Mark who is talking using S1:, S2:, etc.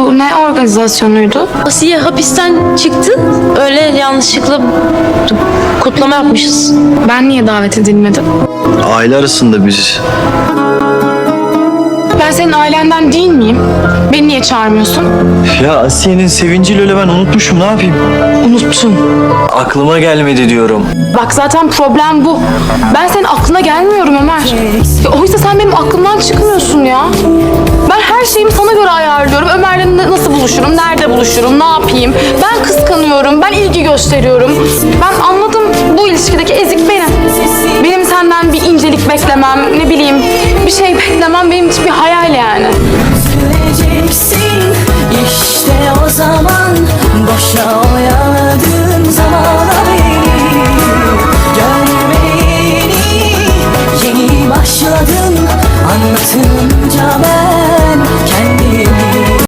S1: Bu ne organizasyonuydu?
S2: Asiye hapisten çıktı. Öyle yanlışlıkla kutlama yapmışız.
S1: Ben niye davet edilmedim?
S3: Aile arasında biz.
S1: Ben senin ailenden değil miyim? Beni niye çağırmıyorsun?
S3: Ya Asiye'nin sevinciyle öyle ben unutmuşum, ne yapayım?
S1: Unuttun.
S3: Aklıma gelmedi diyorum.
S1: Bak zaten problem bu. Ben senin aklına gelmiyorum Ömer. Ya, oysa sen benim aklımdan çıkmıyorsun ya. Ben her şeyimi sana göre ayarlıyorum. Ömer'le nasıl buluşurum, nerede buluşurum, ne yapayım? Ben kıskanıyorum, ben ilgi gösteriyorum. Ben anladım, bu ilişkideki ezik benim. Benim senden bir incelik beklemem, ne bileyim bir şey beklemem benim için bir hayal yani.
S4: Söyleyeceksin.